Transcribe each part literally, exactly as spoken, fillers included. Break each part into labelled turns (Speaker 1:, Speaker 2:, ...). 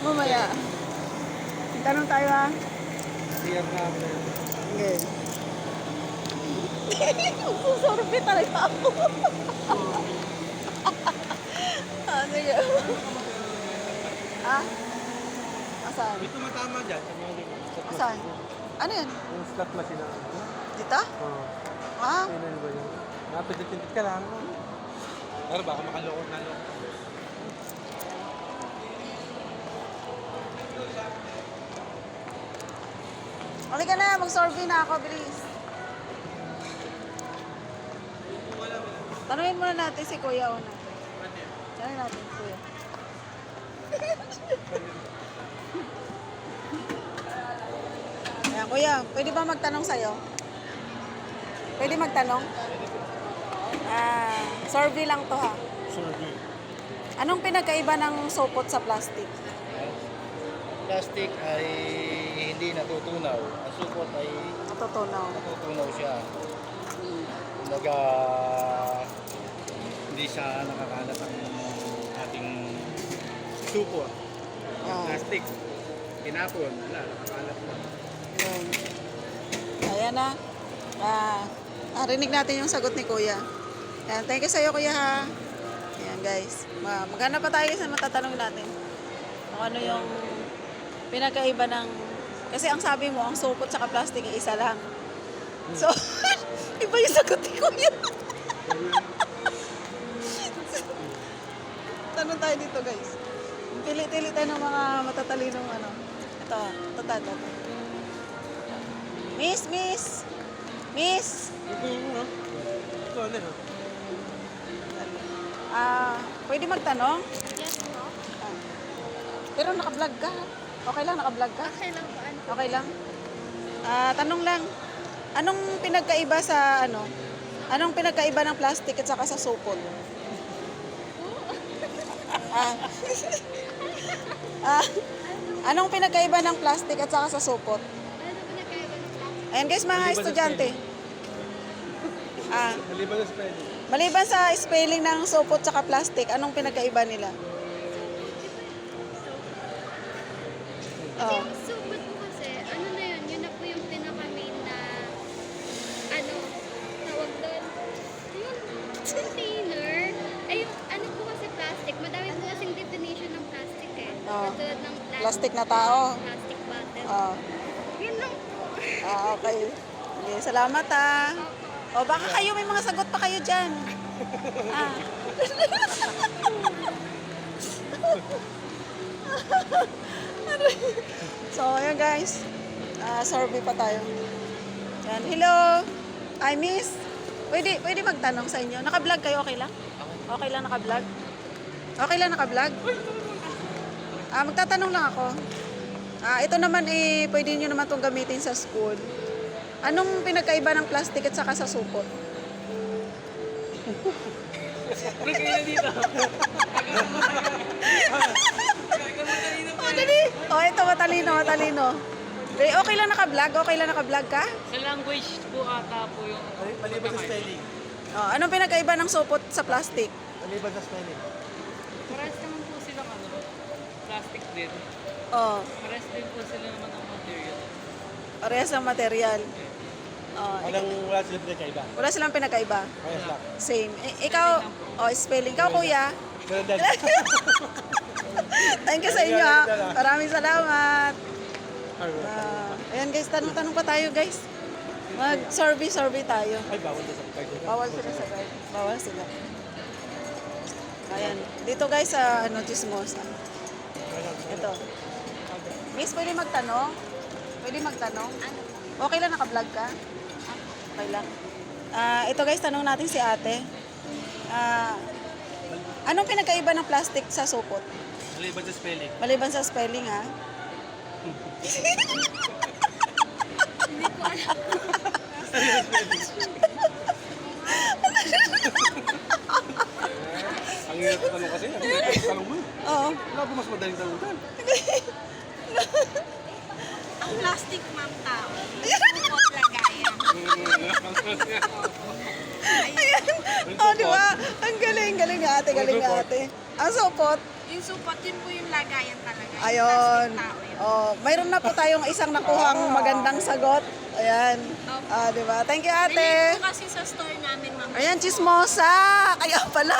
Speaker 1: Mamaya. Tanong tayo ha.
Speaker 2: Siyak na ako.
Speaker 1: Okay. Susurbi talaga ako. Ah, sige. Ah? Asan?
Speaker 2: May tumatama dyan sa mga ganyan.
Speaker 1: Asan? Ano yun?
Speaker 2: Yung slot machine na.
Speaker 1: Dito?
Speaker 2: Oo.
Speaker 1: Ah?
Speaker 2: Kailan ba yun? Napitipintit ka lang. Pero baka makaloko na loko.
Speaker 1: Halika na, mag-survey na ako, bilis. Tanungin muna natin si Kuya una. Tanungin natin si Kuya. Ayan, Kuya, pwede ba magtanong sa'yo? Pwede magtanong? Ah, survey lang to ha.
Speaker 2: Survey.
Speaker 1: Anong pinagkaiba ng sopot sa plastic?
Speaker 3: Plastic ay hindi natutunaw. Ang supot ay
Speaker 1: Natutunaw.
Speaker 3: natutunaw siya. Kumbaga, hindi siya nakakalat ang ating supot.
Speaker 1: Ah,
Speaker 3: Plastic, tinapon, wala, nakakalat na.
Speaker 1: yun. Ayan na. Ah, narinig natin yung sagot ni Kuya. Ayan, thank you sa'yo, Kuya ha. Ayan guys. Ma- Maghanap pa tayo sa matatanong natin. Kung ano yung pinagkaiba ng... Kasi ang sabi mo, ang supot sa plastic ay isa lang. So, iba yung sagot ni Kuya. Tanong tayo dito guys. Pili-pili tayo ng mga matatalinong ano. Ito, ito, ito, ito. Miss, miss! Miss!
Speaker 2: Ito yung ano? Ito ano ha?
Speaker 1: Ah, pwede magtanong?
Speaker 4: Yes po.
Speaker 1: Ah. Pero naka-vlog ka. Okay lang, naka-vlog ka?
Speaker 4: Okay lang po. Ano?
Speaker 1: Okay lang. Ah, tanong lang. Anong pinagkaiba sa ano? Anong pinagkaiba ng plastic at saka sa supot? ah. ah. Anong pinagkaiba ng plastic at saka sa supot?
Speaker 4: Ano po nagkaiba ng plastic?
Speaker 1: Ayan guys, mga
Speaker 2: Maliban sa
Speaker 1: estudyante. Ah,
Speaker 2: Maliban na spelling.
Speaker 1: maliban sa spelling ng supot at plastic, anong pinagkaiba nila? Oh.
Speaker 4: Yung supot po kasi, ano na yun, yun na po yung pinaka-main na, ano, tawag doon, yung container. Ay, yung, ano po kasi plastic, madami po kasing definition ng plastic eh.
Speaker 1: Oh.
Speaker 4: Katulad ng plastic,
Speaker 1: Plastic na tao.
Speaker 4: plastic bottle.
Speaker 1: Ah.
Speaker 4: Yun lang po.
Speaker 1: Ah, okay. Okay, salamat ah. O baka kayo may mga sagot pa kayo dyan. Ah. So, ayan guys. Ah, survey pa tayo. Yan. Hello. I miss. Pwede, pwede magtanong sa inyo. Naka-vlog kayo, okay lang? Okay lang naka-vlog? Okay lang naka-vlog? Ah, magtatanong lang ako. Ah, ito naman eh, pwede nyo naman itong gamitin sa school. Anong pinagkaiba ng plastic at saka sa supot? Oh, dali. Oh, ito matalino, matalino. Eh, okay lang naka-vlog? Okay lang naka-vlog ka?
Speaker 5: Sa language po ata po yung
Speaker 2: Maliban sa spelling.
Speaker 1: Oh, anong pinagkaiba ng supot sa plastic?
Speaker 2: Maliban sa spelling.
Speaker 5: parehas naman po silang ano, plastic din.
Speaker 1: Oh,
Speaker 5: Parehas din po sila naman ang material.
Speaker 1: parehas ng material. Oh,
Speaker 2: Walang wala sila pinagkaiba.
Speaker 1: wala silang pinagkaiba.
Speaker 2: Ayos lang.
Speaker 1: Same. I- ikaw, oh, spelling. Ikaw, kuya.
Speaker 2: Ganun din.
Speaker 1: Thank you sa inyo, ha. Maraming salamat. Ah, ayan guys, tanong-tanong pa tayo guys. Mag-survey-survey tayo.
Speaker 2: Ay, bawal na sa pagkain.
Speaker 1: Bawal sila sa guide. Bawal sila. Ayan. Dito guys sa ano, Chismosa. Ito. Miss, pwede magtanong? Pwede magtanong?
Speaker 4: Ano?
Speaker 1: Okay lang, naka-vlog ka? Okay lang. Ah, ito guys, tanong natin si ate. Ah, anong pinagkaiba ng plastic sa supot?
Speaker 2: Maliban sa spelling.
Speaker 1: Maliban sa spelling, ha?
Speaker 2: Ang hirap na tanong kasi. Ang hirap na tanong mo.
Speaker 1: Oo.
Speaker 2: Wala ba mas madaling tanong dyan?
Speaker 4: Ang plastic, ma'am, tao. Supot lagayan.
Speaker 1: Ayan. Oh, di ba? Ang galing, galing nga ate, galing nga ate. Ang supot,
Speaker 6: Yung supot, yun po yung lagayan talaga. Yung
Speaker 1: Ayun.
Speaker 6: plastic tao yun.
Speaker 1: Oh, mayroon na po tayong isang nakuhang magandang sagot. Ayan. Ah, di ba? Thank you, ate.
Speaker 6: Nilip po kasi sa store namin, ma'am.
Speaker 1: Ayan, chismosa. Kaya pala.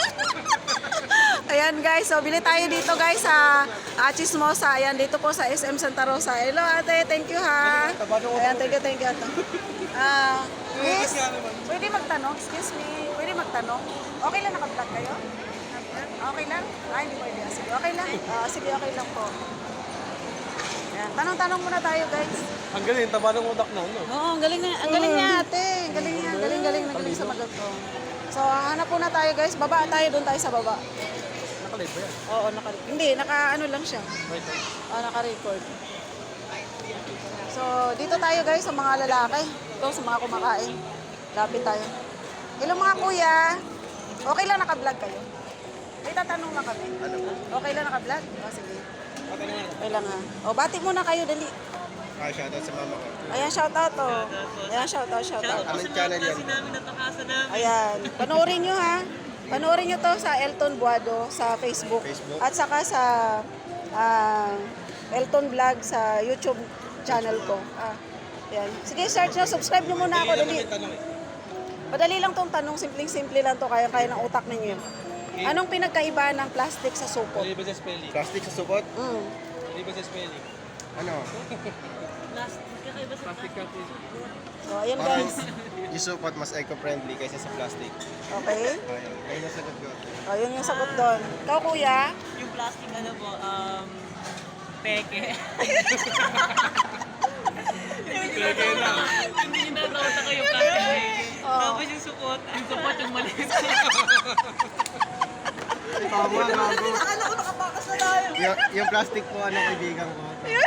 Speaker 1: Ayan, guys. So, bili tayo dito, guys, sa ah, chismosa. Ayan, dito po sa S M Santa Rosa. Hello, ate. Thank you, ha. Ayan, thank you, thank you, ate. Ah, miss, pwede magtanong? Excuse me. Pwede magtanong? Okay lang naka-vlog kayo? Okay lang? Ay, hindi pwede. Ah, Sige, okay lang. Ah, sige, okay lang po. Ayan, tanong-tanong muna tayo, guys.
Speaker 2: Ang galing, taba ng utak na, no?
Speaker 1: Oo, ang galing na, ang galing niya ate. Ang galing niya, ang galing, galing, ang galing sa magot ko. So, hanap po na tayo guys. Baba tayo, doon tayo sa baba.
Speaker 2: Nakalive ba yan?
Speaker 1: Oo, naka, hindi, naka ano lang siya.
Speaker 2: Right.
Speaker 1: Oo, naka-record. So, dito tayo guys sa mga lalaki. Ito, sa mga kumakain. Lapit tayo. Hello mga kuya. Okay lang naka-vlog kayo? May tatanong lang kami. Okay lang naka-vlog? O, sige. Okay lang ha. O, bati muna kayo, dali.
Speaker 3: Ah, shoutout sa mama ko.
Speaker 1: Ayan, shoutout to. Ayan, shoutout, shoutout.
Speaker 3: Anong channel yan?
Speaker 1: Ayan. Panoorin nyo ha. Panoorin nyo to sa Elton Buado sa Facebook.
Speaker 3: Facebook.
Speaker 1: At saka sa ah, Elton Vlog sa YouTube channel ko. Ah, ayan. Sige, search nyo. Subscribe nyo muna ako. Dali. Madali lang tong tanong. Simpleng-simple lang to. Kaya-kaya ng utak ninyo. Anong pinagkaiba ng plastic sa supot?
Speaker 2: Mali ba sa spelling?
Speaker 3: Plastic sa supot?
Speaker 1: Mm.
Speaker 2: Mali ba sa spelling?
Speaker 3: Ano?
Speaker 2: Plastic cup is...
Speaker 1: So, ayan
Speaker 3: Parang
Speaker 1: guys.
Speaker 3: yung supot mas eco-friendly kaysa sa plastic.
Speaker 1: Okay.
Speaker 3: Ayun. Ayun ang sagot ko.
Speaker 1: O, yun yung sagot doon. Ikaw, kuya?
Speaker 5: Yung plastic ano po, um, peke. Peke na. Hindi nyo natawata kayo plastic peke. Tapos yung supot, yung supot yung maliit.
Speaker 3: Tama, gago. Yung, yung plastic po, ano, kaibigan ko.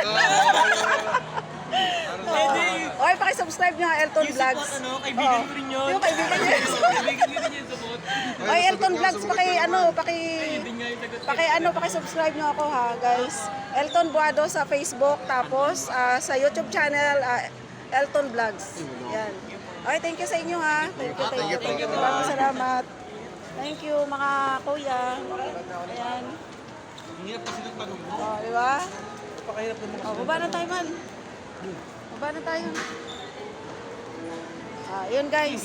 Speaker 1: Okay, pakisubscribe nyo ang Elton
Speaker 5: Yung
Speaker 1: Vlogs.
Speaker 5: supot, ano, kaibigan ko rin yun.
Speaker 1: Yung kaibigan niya.
Speaker 5: Kaibigan ko rin yung supot.
Speaker 1: Ay, Elton Vlogs, paki ano, paki
Speaker 5: Hindi nga yung sagot.
Speaker 1: paki ano, paki-subscribe nyo ako ha, guys. Elton Buado sa Facebook, tapos ah, sa YouTube channel ah, Elton Vlogs. Yan. Okay, thank you sa inyo ha. Thank you, thank you, thank you. Maraming salamat. Thank you mga kuya. Ayan.
Speaker 2: Ang hirap kasi ng tanong mo.
Speaker 1: Oh, di ba?
Speaker 2: Napakahirap ng mga...
Speaker 1: Oh, baba na tayo man. Baba na tayo. Ah, yun guys.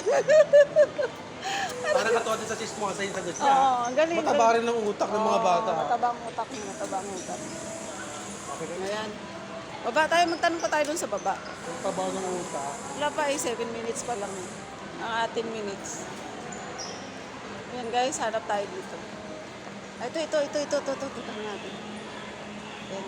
Speaker 2: Parang katuwa din sa chismosa yung sagot niya.
Speaker 1: Oo, ang galing.
Speaker 2: Mataba rin ng utak ng mga bata.
Speaker 1: Oo, matabang utak mo, matabang utak. Ayan. Baba tayo, magtanong pa tayo dun sa baba.
Speaker 2: Ang taba ng utak.
Speaker 1: Wala pa eh, seven minutes pa lang. eh. Ang atin minutes. Ayan guys, hanap tayo dito. Ay, ito, ito, ito, ito, ito, ito, ito, ito natin. Ayan.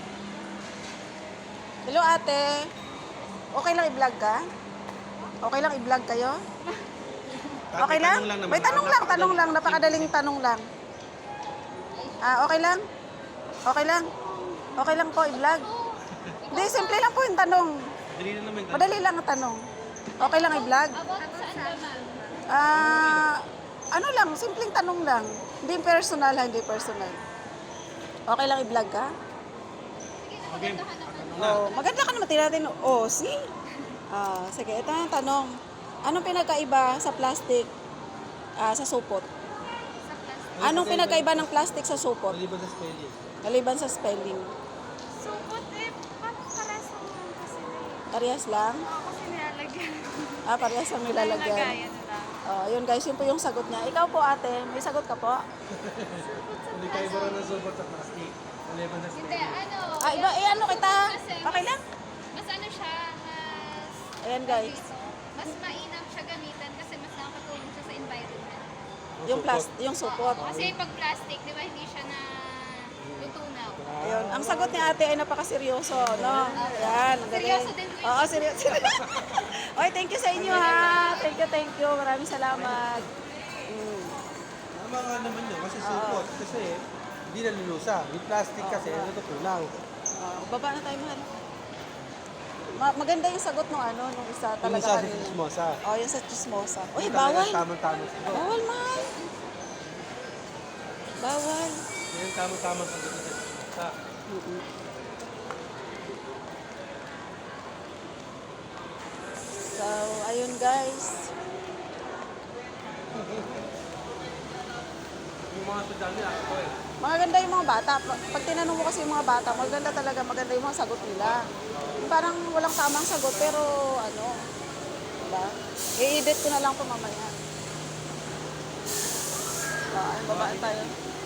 Speaker 1: Hello ate. Okay lang i-vlog ka? Okay lang i-vlog kayo? Okay lang? May tanong lang, tanong lang. Napakadaling tanong lang. Ah, okay lang? Okay lang? Okay lang po i-vlog? Hindi, simple lang po yung tanong.
Speaker 2: Dali na naman.
Speaker 1: Madali lang ang tanong. Okay lang i-vlog?
Speaker 4: About saan naman?
Speaker 1: Ah, ano lang, simpleng tanong lang. Hindi personal, ha, hindi personal. Okay lang i-vlog ka?
Speaker 2: Okay.
Speaker 1: Oh, maganda ka naman tinatin. Oh, see? Ah, sige, ito na yung tanong. Anong pinagkaiba sa plastic ah, sa supot?
Speaker 4: Sa plastic.
Speaker 1: Anong pinagkaiba ng plastic sa supot?
Speaker 2: Mali ba sa spelling?
Speaker 1: Maliban sa spelling.
Speaker 6: Supot eh, parang parehas lang naman kasi na eh.
Speaker 1: Parehas lang?
Speaker 6: Oo, kasi nilalagyan.
Speaker 1: Ah, parehas lang nilalagyan.
Speaker 6: Lagayan na lang.
Speaker 1: Oh, yun guys, yun po yung sagot niya. Ikaw po ate, may sagot ka po?
Speaker 2: Hindi kayo ba rin ng supot sa plastic? Mali ba sa
Speaker 4: Hindi,
Speaker 2: spelling?
Speaker 4: ano.
Speaker 1: Ah, iba, eh ano kita?
Speaker 4: Kasi
Speaker 1: Okay lang?
Speaker 4: Mas ano siya, mas...
Speaker 1: Ayan guys.
Speaker 4: dito, mas mainam siya gamitan kasi mas nakakatulong siya sa environment.
Speaker 1: Yung plastic, yung supot.
Speaker 4: Oo, kasi pag plastic, di ba, hindi siya na lutunaw.
Speaker 1: Ayun. Ang sagot ni ate ay napakaseryoso, no? Ayan, ang galing.
Speaker 4: Seryoso din po yun.
Speaker 1: Oo, seryoso. Okay, thank you sa inyo ha. Thank you, thank you. Maraming salamat. Mm.
Speaker 2: Tama nga naman yun kasi supot. Kasi hindi nalulusa. Yung plastic kasi natutunaw.
Speaker 1: Ah, baba na tayo, mahal. Ma- maganda yung sagot nung ano, nung isa
Speaker 2: Yung
Speaker 1: talaga
Speaker 2: isa sa
Speaker 1: kanina.
Speaker 2: chismosa.
Speaker 1: Oh, yung sa chismosa. Uy,
Speaker 2: Yung talagang
Speaker 1: bawal.
Speaker 2: Tamang-tamang sagot.
Speaker 1: Bawal, mahal. Bawal.
Speaker 2: Yan yung tamang-tamang sagot sa chismosa.
Speaker 1: Mm-mm. So, ayun guys.
Speaker 2: Yung mga estudyante ako eh.
Speaker 1: Magaganda yung mga bata. Pag pag tinanong mo kasi yung mga bata, maganda talaga, maganda yung mga sagot nila. Yung parang walang tamang sagot, pero ano, diba? I-edit ko na lang po mamaya. Ah, babaan tayo.